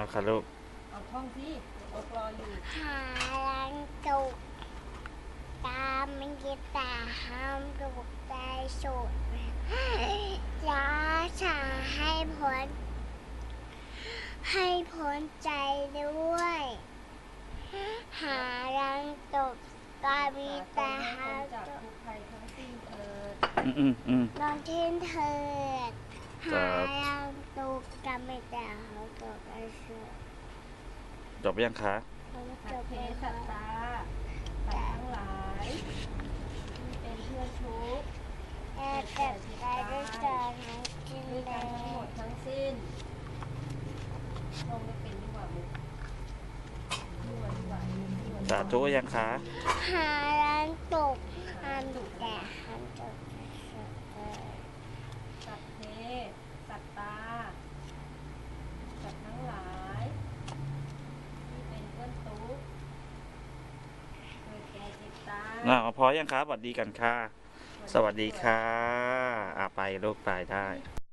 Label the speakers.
Speaker 1: เอาค่ะลูก
Speaker 2: เอาท่องที่เอารออยู่
Speaker 3: หาลังตุกตามมันกีตาห้ามตุกใจสุดยาชาให้พ้นใจด้วยหาลังตุกกามีตาห้าม
Speaker 2: จาก
Speaker 3: ตุก
Speaker 2: ทุกภัยทั้งสิ้นเถิด
Speaker 3: นอนเช่นเถิดหาลังตุกกามีตาห้ามตุกใจสุด
Speaker 1: จบยังคะ
Speaker 2: สัพเพสัตตาสัตว์ทั้งหลายที่เป็นเพื่อนทุกข์
Speaker 3: แอบเก็บใจด้วยกันทั้งสิ้น
Speaker 2: ด้วย
Speaker 3: เล
Speaker 2: กันทั้งหม
Speaker 3: ย
Speaker 2: ดทั้งสิ้นลงไม่เป็นดีกว่ามุกมั่วดีกว่ามั่ว
Speaker 1: สาธุยังคะ
Speaker 3: หาร้านตกห้ามแต่ห้ามตก
Speaker 2: สัพเพสัตตาสัตว์ทั้งหลายที่เป็นเพื่อนทุกข์เกิดแก่เจ็บตาย
Speaker 1: พอยังคะสวัสดีกันค่ะ สวัสดีค่ะไปลูกไปได้